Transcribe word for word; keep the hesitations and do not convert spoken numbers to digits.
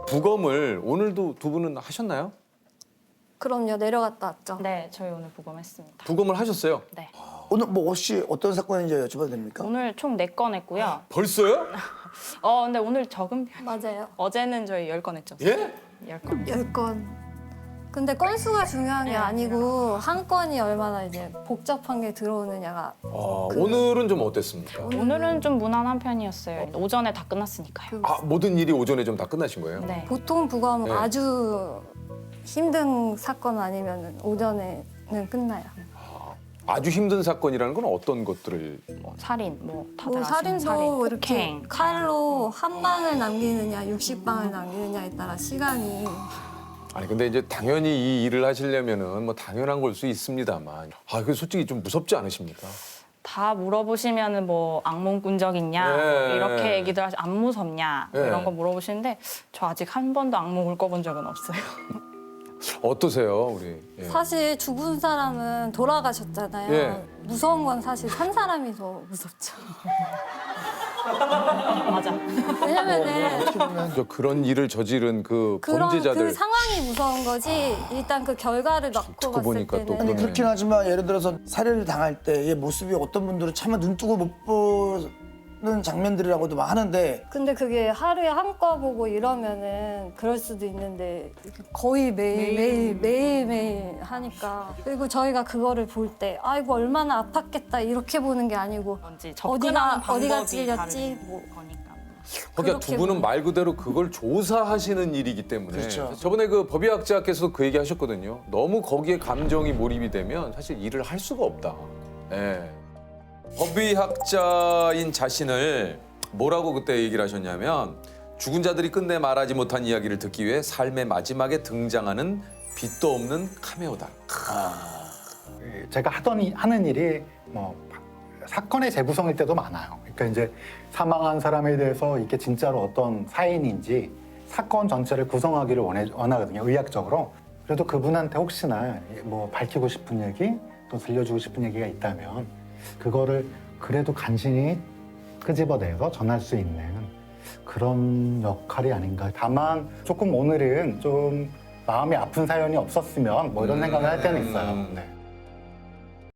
부검을 오늘도 두 분은 하셨나요? 그럼요. 내려갔다 왔죠. 네, 저희 오늘 부검했습니다. 부검을 하셨어요? 네. 오늘 뭐 혹시 어떤 사건인지 여쭤봐도 됩니까? 오늘 총 네 건 했고요. 벌써요? 어, 근데 오늘 적은 편. 맞아요. 어제는 저희 열 건 했죠. 예? 열 건. 열 건. 근데 건수가 중요한 게 네, 아니고 한 건이 얼마나 이제 복잡한 게 들어오느냐가 아, 그- 오늘은 좀 어땠습니까? 오늘은 좀 무난한 편이었어요. 오전에 다 끝났으니까요. 아, 모든 일이 오전에 좀 다 끝나신 거예요? 네. 보통 부검 네. 아주 힘든 사건 아니면 오전에는 끝나요. 아주 힘든 사건이라는 건 어떤 것들을 뭐 살인, 뭐 다들 뭐 아시는 살인도 살인, 이렇게 폭행. 칼로 한 방을 남기느냐 육십 방을 남기느냐에 따라 시간이 아니 근데 이제 당연히 이 일을 하시려면은 뭐 당연한 걸 수 있습니다만 아, 그 솔직히 좀 무섭지 않으십니까? 다 물어보시면은 뭐 악몽 꾼 적 있냐 네. 이렇게 얘기들 하시 안 무섭냐 뭐 네. 이런 거 물어보시는데 저 아직 한 번도 악몽을 꿔본 적은 없어요. 어떠세요, 우리? 예. 사실 죽은 사람은 돌아가셨잖아요. 예. 무서운 건 사실 산 사람이 더 무섭죠. 맞아. 왜냐면은 저 그런 일을 저지른 그 그런 범죄자들 그 상황이 무서운 거지. 일단 그 결과를 놓고 듣고 봤을 보니까 또 때는 아니 그러네. 그렇긴 하지만 예를 들어서 살해를 당할 때의 모습이 어떤 분들은 차마 눈 뜨고 못 보는 장면들이라고도 막 하는데 근데 그게 하루에 한 거 보고 이러면은 그럴 수도 있는데 거의 매일 매일 매일 매일 하니까 그리고 저희가 그거를 볼 때 아이고 얼마나 아팠겠다 이렇게 보는 게 아니고 뭔지 접근하는 어디가 어디가 방법이 찔렸지 다른 뭐 거니까. 그러니까 두 그렇게 분은 보면- 말 그대로 그걸 조사하시는 일이기 때문에 그렇죠. 저번에 그 법의학자께서도 그 얘기 하셨거든요. 너무 거기에 감정이 몰입이 되면 사실 일을 할 수가 없다. 예. 법의학자인 자신을 뭐라고 그때 얘기를 하셨냐면 죽은 자들이 끝내 말하지 못한 이야기를 듣기 위해 삶의 마지막에 등장하는 빛도 없는 카메오다. 제가 하던 이- 하는 일이 뭐 사건의 재구성일 때도 많아요. 그러니까 이제 사망한 사람에 대해서 이게 진짜로 어떤 사인인지 사건 전체를 구성하기를 원해, 원하거든요. 의학적으로. 그래도 그분한테 혹시나 뭐 밝히고 싶은 얘기 또 들려주고 싶은 얘기가 있다면 그거를 그래도 간신히 끄집어내서 전할 수 있는 그런 역할이 아닌가. 다만 조금 오늘은 좀 마음이 아픈 사연이 없었으면 뭐 이런 생각을 할 때는 있어요. 네.